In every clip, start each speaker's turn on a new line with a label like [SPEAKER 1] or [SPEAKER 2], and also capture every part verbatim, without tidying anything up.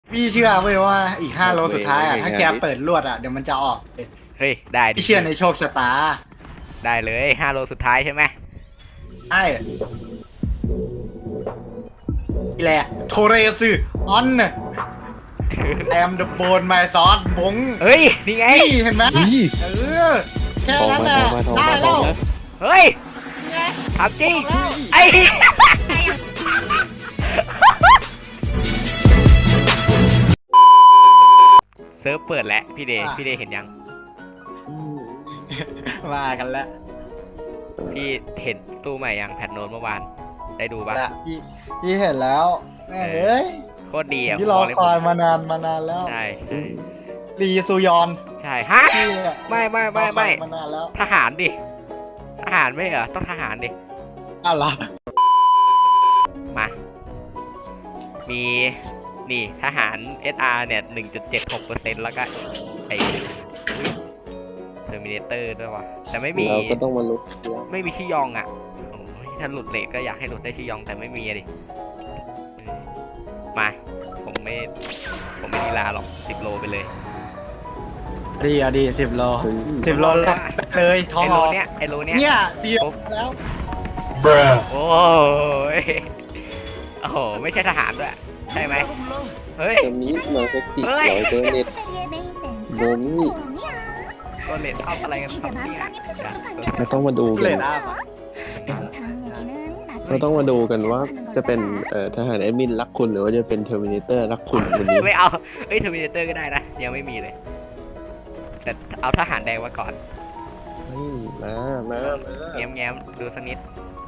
[SPEAKER 1] พี่เชื่อเว้ยว่าอีกห้าโลสุดท้ายอ่ะถ้าแกเปิดลวดอ่ะเดี๋ยวมันจะออก
[SPEAKER 2] เฮ้ยได้ดิ
[SPEAKER 1] พี่เชื่อในโชคชะตา
[SPEAKER 2] ได้เลยห้าโลสุดท้ายใช่ไหม
[SPEAKER 1] ใช่นี่แหละโทเรซึออนแอมเดอะโบนไมซอสบง
[SPEAKER 2] เฮ้ยนี่ไง
[SPEAKER 1] เห็นไหมเออแค่นั้นแหละได้แล้ว
[SPEAKER 2] เฮ้ยทำจริงไอ้เซิร์ฟเปิดแล้วพี่เดย์พี่เดย์เห็นยัง
[SPEAKER 1] มากันแล้ว
[SPEAKER 2] พี่เห็นตู้ใหม่ยังแพทโน้ตเมื่อวานได้ดูปะ
[SPEAKER 1] พี่พี่เห็นแล้วแม่เอ้ย
[SPEAKER 2] โคตรดีอ่ะ
[SPEAKER 1] ที่รอคอยมานานมานานแล้ว
[SPEAKER 2] ใช่
[SPEAKER 1] รีซูยอน
[SPEAKER 2] ใช่ฮะไม่ไม่ไม่ไม่
[SPEAKER 1] มานานแล้ว
[SPEAKER 2] ทหารดิทหารไม่เหรอต้องทหารดิ
[SPEAKER 1] อะไร
[SPEAKER 2] มามีนี่ทหาร เอส อาร์ เนี่ย หนึ่งจุดเจ็ดหกเปอร์เซ็นต์ แล้วก็ไอ้เทอร์มินเตอร์ด้วยวะแต่ไม่มี
[SPEAKER 3] เราก็ต้องมาลุ้น
[SPEAKER 2] ไม่มีที่ยองอ่ะโอ้ยถ้าหลุดเลทก็อยากให้หลุดได้ที่ยองแต่ไม่มีดิมาผมไม่ผมไม่ดีลาหรอกสิบโลไปเลย
[SPEAKER 1] ดีอ่ะดีสิบโลสิบโลเลยท้อง
[SPEAKER 2] ไอโลเนี้ยไอโลเนี้ย
[SPEAKER 1] เนี่ยสี่แล้ว
[SPEAKER 2] โอ้ยโอ้โหไม่ใช่ทหารด้วยใช่ไหมเฮ้ย
[SPEAKER 3] จะมีมาสักติร้อยเบอร์เน็ตโดนี่
[SPEAKER 2] ตัวเลทเอาอะไรกันครับเนี่ย
[SPEAKER 3] เราต้องมาดูกันเราต้องมาดูกันว่าจะเป็นทหารแอดมินรักคุณหรือว่าจะเป็นเทอร์มินเตอร์รักคุณวันนี้
[SPEAKER 2] ไม่เอาเอ้ยเทอร์มินเตอร์ก็ได้นะยังไม่มีเลยแต่เอาทหารแดงมาก่อน
[SPEAKER 3] มามา
[SPEAKER 2] แง้มแง้มดูสักนิด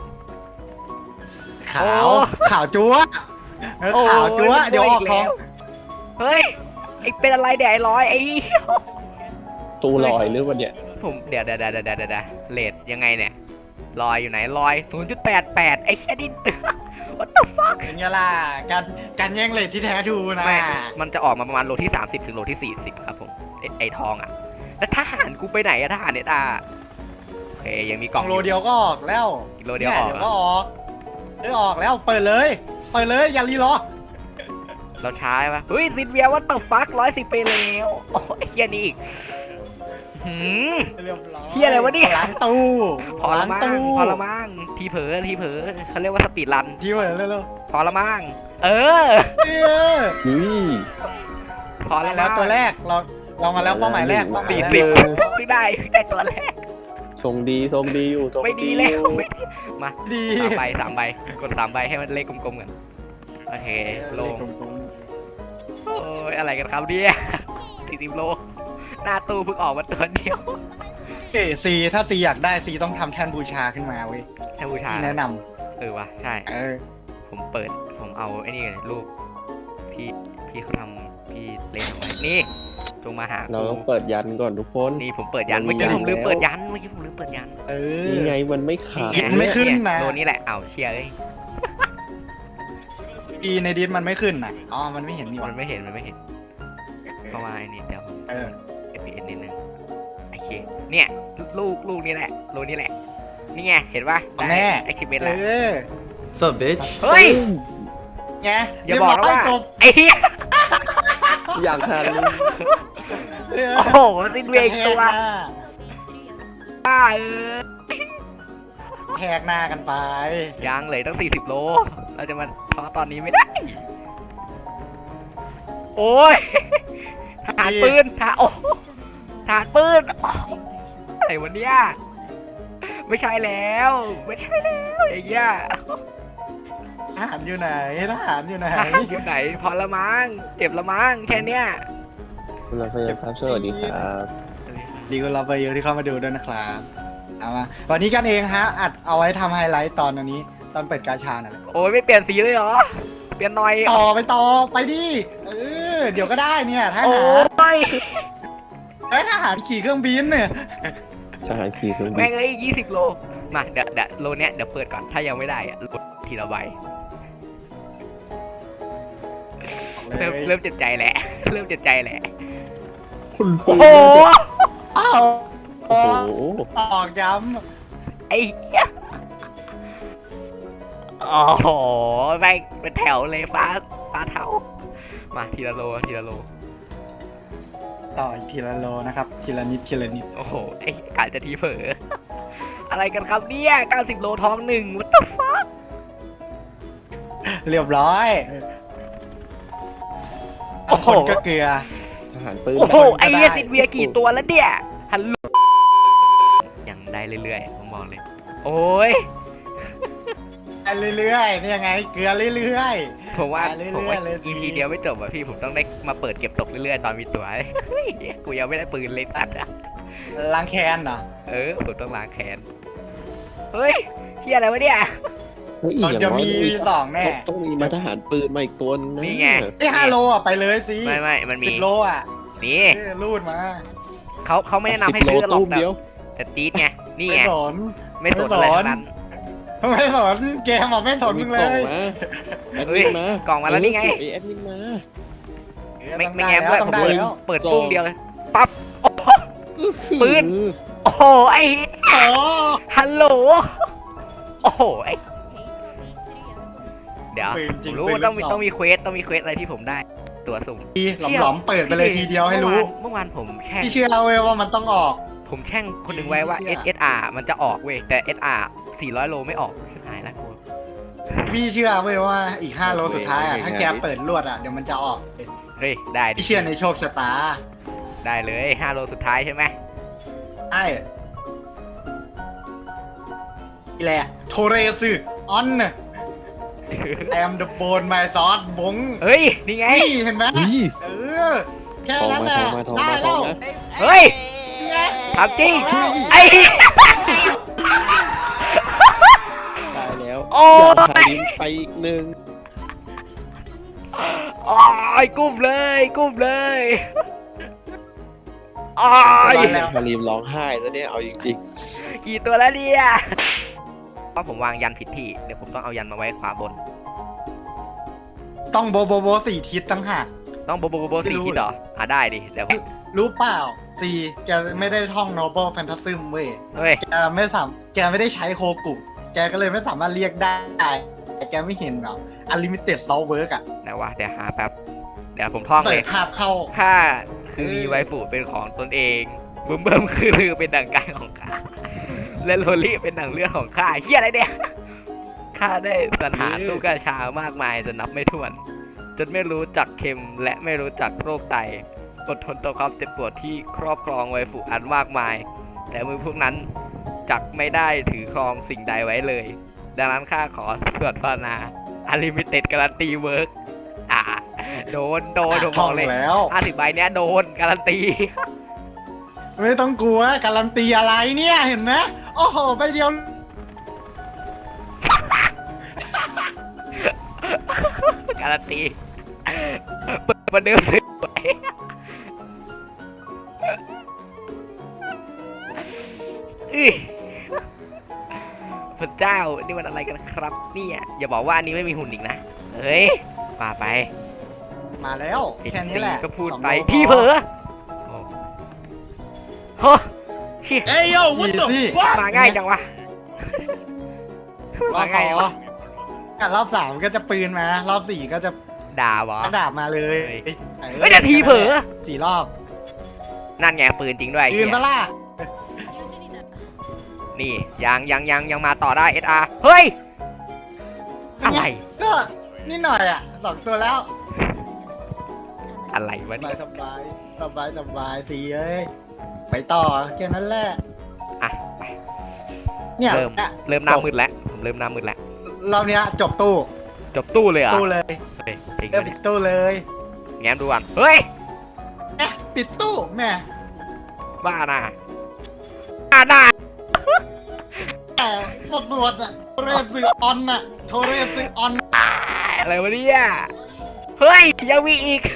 [SPEAKER 1] ขาวขาวจั๊วขาวจั๊วเดี๋ยวออกท้อง
[SPEAKER 2] เฮ้ยไอเป็นอะไรแดดร้อยไอ
[SPEAKER 3] ตู้ลอยหรือวันเนี้ย
[SPEAKER 2] ผมเดี๋ยวเดี๋ยวเดี๋ยวเดี๋ยวเดี๋ยวเลทยังไงเนี่ยลอยอยู่ไหนลอย ศูนย์จุดแปดแปด ไอ้แค่ดิน what the fuck
[SPEAKER 1] เป็นไงล่ะการการแย่งเลทที่แท้ทูนะ
[SPEAKER 2] มันจะออกมาประมาณโลที่สามสิบถึงโลที่สี่สิบครับผมไอไอทองอ่ะแล้วทหารกูไปไหนอะทหารเนตาโอเคยังมีกล่อง
[SPEAKER 1] โลเดียวก็ออกแล้ว
[SPEAKER 2] โลเดียวออก
[SPEAKER 1] ก็ออกเออออกแล้วเปิดเลยเปิดเลยอย่ารีรอ
[SPEAKER 2] เราช้าปะเฮ้ยซินเวียว่าต่อฟักร้อยสิบไปแล้วโอ้ยเฮียนี่อีกหืมเฮียอะไรวะเนี่ย
[SPEAKER 1] ล้างตู้
[SPEAKER 2] พอละมั่งพอละมั่งทีเผลอทีเผลอเขาเรียกว่าสปีดรัน
[SPEAKER 1] ทีเผลอเร็ว
[SPEAKER 2] พอละมั่งเออพอ
[SPEAKER 1] แล้วตัวแรกเราเรามาแล้วเป้าหมายแรก
[SPEAKER 2] สี่สิบไม่ได้ได้ตัวแรก
[SPEAKER 3] ทรงดีทรงดีอยู่
[SPEAKER 2] ไม่ดีแล้วมาสามใบสามใบกดสามใบให้มันเลขกลมๆกันโอเคโลโอ้ยอะไรกันครับเนี่ยสี่สิบโลหน้าตู้เพิ่งออกมาตัวเดียว
[SPEAKER 1] เอซีถ้าซีอยากได้ซีต้องทำแท่นบูชาขึ้นมาเว้ย
[SPEAKER 2] แท่นบูชา
[SPEAKER 1] แนะน
[SPEAKER 2] ำเออวะใช่
[SPEAKER 1] เออ
[SPEAKER 2] ผมเปิดผมเอาไอ้นี่เลยรูปพี่พี่เขาทำพี่เล่นเอาไว้นี่จงมาหา
[SPEAKER 3] เราต้องเปิดยันก่อนทุกคน
[SPEAKER 2] นี่ผมเปิดยันเมื่อกี้ผมลืมเปิดยันเมื่อกี้ผมลืมเปิดยัน
[SPEAKER 1] เออ
[SPEAKER 3] นี่ไงมันไม่ขาด
[SPEAKER 1] ไม่ขึ้นนะ
[SPEAKER 2] โดนนี่แหละเอาเชียร์เลย
[SPEAKER 1] อีในดิสมันไม่ขึ้นนะอ๋อมันไม่เห็นนี่
[SPEAKER 2] มันไม่เห็นมันไม่เห็นเพราะว่าไอ้นี่เดี๋ยว
[SPEAKER 1] เออ
[SPEAKER 2] เอฟ พี เอส นิดนึงโอเคเนี่ยลูกลูกนี่แหละลูกนี่แหละนี่ไงเห็นป่ะ
[SPEAKER 1] แน่
[SPEAKER 2] ไอคิวเมนแล้ว
[SPEAKER 3] so bitch
[SPEAKER 2] เฮ้ย
[SPEAKER 1] ไง
[SPEAKER 2] อย่าบอกนะว่าไอ้เหี้ย
[SPEAKER 3] อยากทัน
[SPEAKER 2] โอ้โหซินเวกตัวบ้าเออ
[SPEAKER 1] แหกหน้ากันไป
[SPEAKER 2] ยังเลยตั้งสี่สิบโลเราจะมาท้อตอนนี้ไม่ได้โอ้ยทหารปืนทหารโอ้ทหารปืนอะไรวะเนี่ยไม่ใช่แล้วไม่ใช่แล้วอย่างเงี้ย
[SPEAKER 1] ทหารอยู่ไหนทหารอยู่ไหน
[SPEAKER 2] อยู่ไหนพอละมั้งเก็บละมั้งแค่เนี้ย
[SPEAKER 3] คุณเราเครับสวัสดีครับ
[SPEAKER 1] ดีคุณเราไปเยอะที่เข้ามาดูด้วยนะครับเอามาวันนี้กันเองฮะอัดเอาไว้ทำไฮไลท์ตอนนี้ตอนเปิดกาชาน่ะ
[SPEAKER 2] โอ้ยไม่เปลี่ยนสีเลยเหรอเปลี่ยนหน่อย
[SPEAKER 1] ต่อไปต่อไปดิเออเดี๋ยวก็ได้เนี่ยทหารไอ้ทหารขี่เครื่องบินเนี่ย
[SPEAKER 3] ทหารขี่เครื่องบิน
[SPEAKER 2] แม่งเลยยี่สิบโลมาเดี๋ยวเดี๋ยวโลเนี้ยเดี๋ยวเปิดก่อนถ้ายังไม่ได้อะลดทีละใบเริ่มเริ่มเจ็บใจแหละเริ่มเจ็บใจแหละโอ้โห
[SPEAKER 1] อ้าวโอ้โหตอกย้
[SPEAKER 2] ำไอ้โอ้โหแม่งเป็นแถวเลยฟ้าฟ้าเทามาทีละโลทีละโล
[SPEAKER 1] ต่ออีกทีละโลนะครับทีละนิดทีละนิด
[SPEAKER 2] โอ้โหไอ้กาจะทีเผลอ อะไรกันครับเนี่ยเก้าสิบโลท้องหนึ่ง what the fuck
[SPEAKER 1] เรียบร้อย
[SPEAKER 2] โอ้โห
[SPEAKER 1] คนก็เกลือ
[SPEAKER 3] ทหารปืน
[SPEAKER 2] โอ้โห
[SPEAKER 1] ได้
[SPEAKER 2] ไอ้เหี้ยติดเวียกี่ตัวแล้วเนี่ยฮัลโหลยังได้เรื่อยๆผมบอกเลย โอ้ย
[SPEAKER 1] ไปเรื่อยๆนี่ยังไงเกลือเรื่อย
[SPEAKER 2] ผมว่า
[SPEAKER 1] ไปเรื่อยๆ
[SPEAKER 2] ผมว่า
[SPEAKER 1] เลย
[SPEAKER 2] อีพีเดียวไม่จบอ่ะพี่ผมต้องได้มาเปิดเก็บตกเรื่อยๆตอนมีตัวเฮ้ยกูยังไม่ได้ปืนเลยตัดอ่ะ
[SPEAKER 1] ๆล้างแค้นเหรอ
[SPEAKER 2] เออผมต้องล้างแค้นเฮ้ยเฮียอะไรวะเนี่ย
[SPEAKER 3] เฮ้ยอย่าง
[SPEAKER 1] จะ
[SPEAKER 3] น้อย
[SPEAKER 1] มี
[SPEAKER 3] ต้องมี
[SPEAKER 1] สองแน่
[SPEAKER 3] ต้องมีมาทหารปืนมาอีกตัวนึงนะ
[SPEAKER 2] นี่ไง
[SPEAKER 1] ไอ้ห้าโลอ่ะไปเลยสิ
[SPEAKER 2] ไม่ไม่มันมี
[SPEAKER 1] สิบโลอ่ะ
[SPEAKER 2] นี่
[SPEAKER 1] เออรูดมา
[SPEAKER 2] เขาเขาไม่แนะนำให้
[SPEAKER 3] สิบโล
[SPEAKER 2] ซื้อหรอก
[SPEAKER 3] ตู้ม
[SPEAKER 2] แต่
[SPEAKER 3] เดียว
[SPEAKER 2] แต่จี๊ดไงนี่
[SPEAKER 1] ไม่
[SPEAKER 2] ไง
[SPEAKER 1] สน
[SPEAKER 2] ไม่สนอะไรทั้งนั้น
[SPEAKER 1] ไม่สนเกมบอกไม่สนมึงเล
[SPEAKER 3] กล่อง
[SPEAKER 1] ย
[SPEAKER 3] มาแอด
[SPEAKER 2] เฮ้
[SPEAKER 3] มิ
[SPEAKER 2] ย
[SPEAKER 3] นมาก
[SPEAKER 2] ล่องมาแล้วนี่ไง
[SPEAKER 3] เออส่แอดมินมา
[SPEAKER 2] ไม่
[SPEAKER 1] ต้อง
[SPEAKER 2] ไม่
[SPEAKER 1] ด้
[SPEAKER 2] แง้มด้วย
[SPEAKER 1] ต้
[SPEAKER 2] ผ
[SPEAKER 1] อ
[SPEAKER 2] ม
[SPEAKER 1] งได้
[SPEAKER 2] เปิด
[SPEAKER 1] แล้ว
[SPEAKER 2] เปิดปุ้งเดียวเลยปั๊บ ปืน โอ้โหไอ้
[SPEAKER 1] โอ้
[SPEAKER 2] ฮัลโหลโอ้โหไอ้เดี๋ยว
[SPEAKER 1] ปืน
[SPEAKER 2] ผ
[SPEAKER 1] จริง
[SPEAKER 2] มรู้
[SPEAKER 1] ปืน
[SPEAKER 2] ว่าต้องมี
[SPEAKER 1] ลูกซ
[SPEAKER 2] ต้องมีเควสต้องมีเควสอะไรที่ผมได้ ตัวสุ่ม
[SPEAKER 1] ดีหลอมๆเปิดไปเลยทีเดียวให้รู้
[SPEAKER 2] เมื่อวานเมื่อวานผมแช่ง
[SPEAKER 1] พี่เชื่อเว้ยว่ามันต้องออก
[SPEAKER 2] ผมแช่งคนหนึ่งไว้ว่า
[SPEAKER 1] เหี้
[SPEAKER 2] เอย ส เอส อาร์ มันจะออกเว้ยแต่ เอส อาร์ สี่ร้อยโลไม่ออกหายแล้วกู
[SPEAKER 1] พี่เชื่อเว้ยว่าอีกห้าโลสุดท้ายอ่ะถ้าแกเปิดลวดอ่ะเดี๋ยวมันจะออก
[SPEAKER 2] เฮ้ยได้ดิ
[SPEAKER 1] พี่เชื่อในโชคชะตา
[SPEAKER 2] ได้เลยห้าโลสุดท้ายใช่ไหม
[SPEAKER 1] ใช่นี่แหละโทเรซึออนแอมเดอะโบนไมซอสบง
[SPEAKER 2] เฮ้ยนี่ไง
[SPEAKER 1] นี่เห็นไหม
[SPEAKER 3] เฮ้ย
[SPEAKER 1] เออแค่
[SPEAKER 3] ทอง
[SPEAKER 1] นั้น
[SPEAKER 3] มา
[SPEAKER 1] แห
[SPEAKER 3] ท
[SPEAKER 1] ละ
[SPEAKER 3] องมาทอง
[SPEAKER 1] ได้
[SPEAKER 3] มาท
[SPEAKER 1] แล้
[SPEAKER 3] อง
[SPEAKER 1] ว
[SPEAKER 3] มา
[SPEAKER 2] เฮ้ย
[SPEAKER 1] นี่ไง
[SPEAKER 2] ถามจริง
[SPEAKER 1] เอาแล้ว
[SPEAKER 2] ไอ้
[SPEAKER 3] ได้แล้ว
[SPEAKER 2] โอ้
[SPEAKER 3] อยากพาลิมไปอีกหนึ่ง
[SPEAKER 2] โอ้ยกุ้มเลยกุ้มเลยโอ้ย
[SPEAKER 3] อยากพาลิมร้องไห้แล้วเนี่ยเอาจริง
[SPEAKER 2] กี่ตัวแล้วเนี่ยเพราะผมวางยันผิดที่เดี๋ยวผมต้องเอายันมาไว้ขวาบน
[SPEAKER 1] ต้องโบโบโบสี่ทิศตั้งหาก
[SPEAKER 2] ต้องโบโบโบโบสี่ทิศเหรออ่ะได้ดิเดี๋ยวผม
[SPEAKER 1] รู้เปล่าสี่แกไม่ได้ท่อง Noble Phantasm เว้ย
[SPEAKER 2] เฮ้ย
[SPEAKER 1] แกไม่สามแกไม่ได้ใช้โคกุ แกก็เลยไม่สามารถเรียกได้ แต่แกไม่เห็นหรอก Unlimited Soul Work อ่ะ
[SPEAKER 2] ไหนวะเดี๋ยวหาแป๊บเดี๋ยวผมท่อง
[SPEAKER 1] เสิ
[SPEAKER 2] เล
[SPEAKER 1] ร์
[SPEAKER 2] ย
[SPEAKER 1] ชภาพเข้า
[SPEAKER 2] ข้าคือมีไวฟูเป็นของตนเองเบิ่มเบิ่มคือลือเป็นดั่งกายของข้าและโลลี่เป็นดั่งเลือดของข้าเฮียอะไรเนี่ยข้าได้สรรหาตู้กาชามากมายจนนับไม่ถ้วน จนไม่รู้จักเค็มและไม่รู้จักโรคไตอดทนต่อความเจ็บปวดที่ครอบครองไวฟูอันมากมาย แต่มือพวกนั้นจักไม่ได้ถือครองสิ่งใดไว้เลย ดังนั้นข้าขอสวดภาวนาอลิมิเต็ดการันตีเวิร์กอ่าโดนโดนผมบ
[SPEAKER 1] ท่อ
[SPEAKER 2] อง กเลย
[SPEAKER 1] แล้ว
[SPEAKER 2] ห้าสิบใบเนี้ยโดนการันตี
[SPEAKER 1] ไม่ต้องกลัว การันตีอะไรเนี่ย เห็นไหมโอ้โห ไปเดียว
[SPEAKER 2] การันตีเปิดประเดิมเลยอื้อพระเจ้านี่มันอะไรกันครับเนี่ยอย่าบอกว่าอันนี้ไม่มีหุ่นอีกนะเฮ้ยป่าไป
[SPEAKER 1] มาแล้ว แค่นี้แหละ
[SPEAKER 2] ก็พูด
[SPEAKER 1] สอง
[SPEAKER 2] ไป
[SPEAKER 1] โล
[SPEAKER 2] พี่เผลอโอ้โหเหี้ย
[SPEAKER 3] ๆ เอ้ยโย่
[SPEAKER 1] what the fuck
[SPEAKER 2] มาง่ายจังวะ
[SPEAKER 1] รอ
[SPEAKER 2] มา
[SPEAKER 1] บ
[SPEAKER 2] ง่าย
[SPEAKER 1] ส
[SPEAKER 2] จั
[SPEAKER 1] อง ง
[SPEAKER 2] วะ
[SPEAKER 1] อ่ะรอบสามก็จะปืนมา รอบสี่ก็จะ
[SPEAKER 2] ด่าวะ
[SPEAKER 1] กระดาบมาเลย
[SPEAKER 2] เฮ้ย
[SPEAKER 1] ออ
[SPEAKER 2] เฮ้ยนาทีเผลอ
[SPEAKER 1] สี่รอบ
[SPEAKER 2] นั่นไงปืนจริงด้วย
[SPEAKER 1] ปืน
[SPEAKER 2] เหี้ย
[SPEAKER 1] ปะล่ะ
[SPEAKER 2] นี่ยังยังยังยังมาต่อได้ เอส อาร์ เฮ้ย อะไร
[SPEAKER 1] ก็นิดหน่อยอ่ะสองตัวแล้ว
[SPEAKER 2] อะไรวะ
[SPEAKER 1] ส
[SPEAKER 2] เนี่
[SPEAKER 1] บาย
[SPEAKER 2] ย
[SPEAKER 1] สบายสบายสบายสีเอ้ยไปต่อแค่นั้นแหละ
[SPEAKER 2] อ่ะไป
[SPEAKER 1] เนี่ย
[SPEAKER 2] เริ่ม
[SPEAKER 1] อ่ะ
[SPEAKER 2] เริ่มหน้ามืดแล้วผมเริ่มหน้ามืดแล้ว
[SPEAKER 1] รอบเนี้ยจบตู้
[SPEAKER 2] จบตู้เลยเหรอ่ะ
[SPEAKER 1] ตู้เลย
[SPEAKER 2] เฮ้ยจริง
[SPEAKER 1] เริ่ม
[SPEAKER 2] ปะ
[SPEAKER 1] ปิ
[SPEAKER 2] เนี่ย
[SPEAKER 1] ดตู้เลย
[SPEAKER 2] แง้มดูก่อนเฮ้ย
[SPEAKER 1] เอ๊ะปิดตู้แม่
[SPEAKER 2] บ้าน่ะบ้าน่ะ
[SPEAKER 1] แต่สดสวดอ่ะโทเรซึออนอ่ะโทเรซึออน
[SPEAKER 2] อ่าอะไรวะเนี่ยเฮ้ยยังมีอีก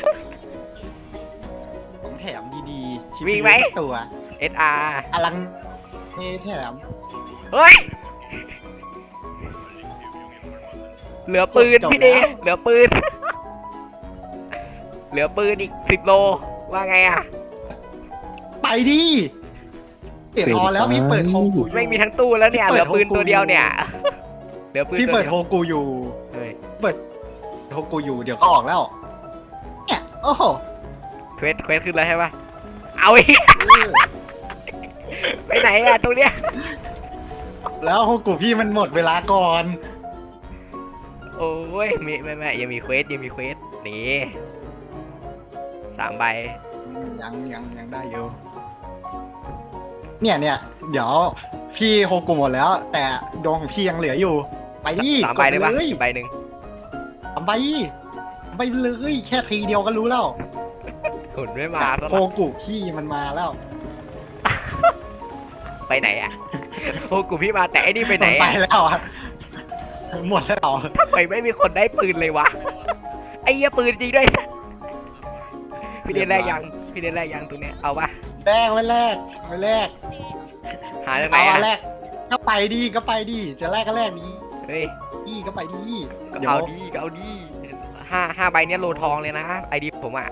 [SPEAKER 1] ของแถมดีๆชี
[SPEAKER 2] มี
[SPEAKER 1] วิต
[SPEAKER 2] ไหม
[SPEAKER 1] ตัว
[SPEAKER 2] เอส อาร์
[SPEAKER 1] อลังมีแถม
[SPEAKER 2] เฮ้ยเหลือปืน
[SPEAKER 1] จบ
[SPEAKER 2] พี่เด
[SPEAKER 1] แล้ว
[SPEAKER 2] เหลือปืน เหลือปืนอีกสิบโลว่าไงอ่ะ
[SPEAKER 1] ไปดิเปิดออแล้วพี่เปิดโฮกูอยู่
[SPEAKER 2] ไม่มีทั้งตู้แล้วเนี่ย
[SPEAKER 1] เปิ
[SPEAKER 2] เหลื
[SPEAKER 1] ด
[SPEAKER 2] อปืน
[SPEAKER 1] โฮกู
[SPEAKER 2] ตัวเดียวเนี่ย เหลือปืน
[SPEAKER 1] พี่
[SPEAKER 2] ตัว
[SPEAKER 1] เปิด
[SPEAKER 2] เดียว
[SPEAKER 1] โฮกูอยู่
[SPEAKER 2] เฮ้ย
[SPEAKER 1] โฮกูอยู่เดี๋ยวก็ออกแล้วแหมโอ้โห
[SPEAKER 2] เควสเควสขึ้นแล้วใช่ปะเอาอีก ไปไหนอะตรงเนี้ย
[SPEAKER 1] แล้วโฮกุพี่มันหมดเวลาก่อน
[SPEAKER 2] โอ้ยมีไม่ไม่ยังมีเควสยังมีเควสนี่สามใบ
[SPEAKER 1] ยังยังยังได้อยู่เนี่ยเนี่ยเดี๋ยวพี่โฮกุหมดแล้ว แต่ดวงของพี่ยังเหลืออยู่ ไปดิ
[SPEAKER 2] สามใบได้ปะ
[SPEAKER 1] กเลย
[SPEAKER 2] ใบหนึ่ง
[SPEAKER 1] สามใบไปเลยแค่ทีเดียวก็รู้แล้ว
[SPEAKER 2] หุ่นไม่มาซะ
[SPEAKER 1] โฮ
[SPEAKER 2] ละ
[SPEAKER 1] กุพี่มันมาแล้ว
[SPEAKER 2] ไปไหนอะโอ้กูพี่มาแต่ไอ้นี่ไปไหน
[SPEAKER 1] ไป
[SPEAKER 2] อะ
[SPEAKER 1] แล้วอะหมดแล้ว
[SPEAKER 2] ทำไมไม่มีคนได้ปืนเลยวะไอ้เหี้ยปืนจริงด้วยพี่เดนแรกยังพี่เดนแรกยังตรงเนี้ยเอาปะ
[SPEAKER 1] แรกไว้แรกไว้แรก
[SPEAKER 2] หาจากไหน
[SPEAKER 1] เอา
[SPEAKER 2] อะ
[SPEAKER 1] แรกก็ไปดีก็ไปดีจะแรกก็แรกดี
[SPEAKER 2] เฮ้ย
[SPEAKER 1] ดีก็ไปดี
[SPEAKER 2] ก็
[SPEAKER 1] เดี๋ยว
[SPEAKER 2] เอาดีก็เอาดีห้าห้าใบเนี้ยโลทองเลยนะไอดีผมอ่ะ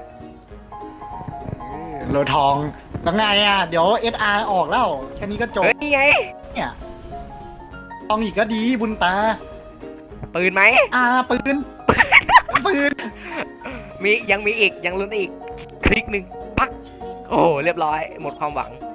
[SPEAKER 1] โลทองแล้วไงอ่ะเดี๋ยว เอส อาร์ ออกแล้วแค่นี้ก็จบ
[SPEAKER 2] เฮ้ยนี่ไง
[SPEAKER 1] เนี่ยทองอีกก็ดีบุญตา
[SPEAKER 2] ปืนไหม
[SPEAKER 1] อ่าปืนปืน
[SPEAKER 2] มียังมีอีกยังลุ้นอีกคลิกหนึ่งปักโอ้เรียบร้อยหมดความหวัง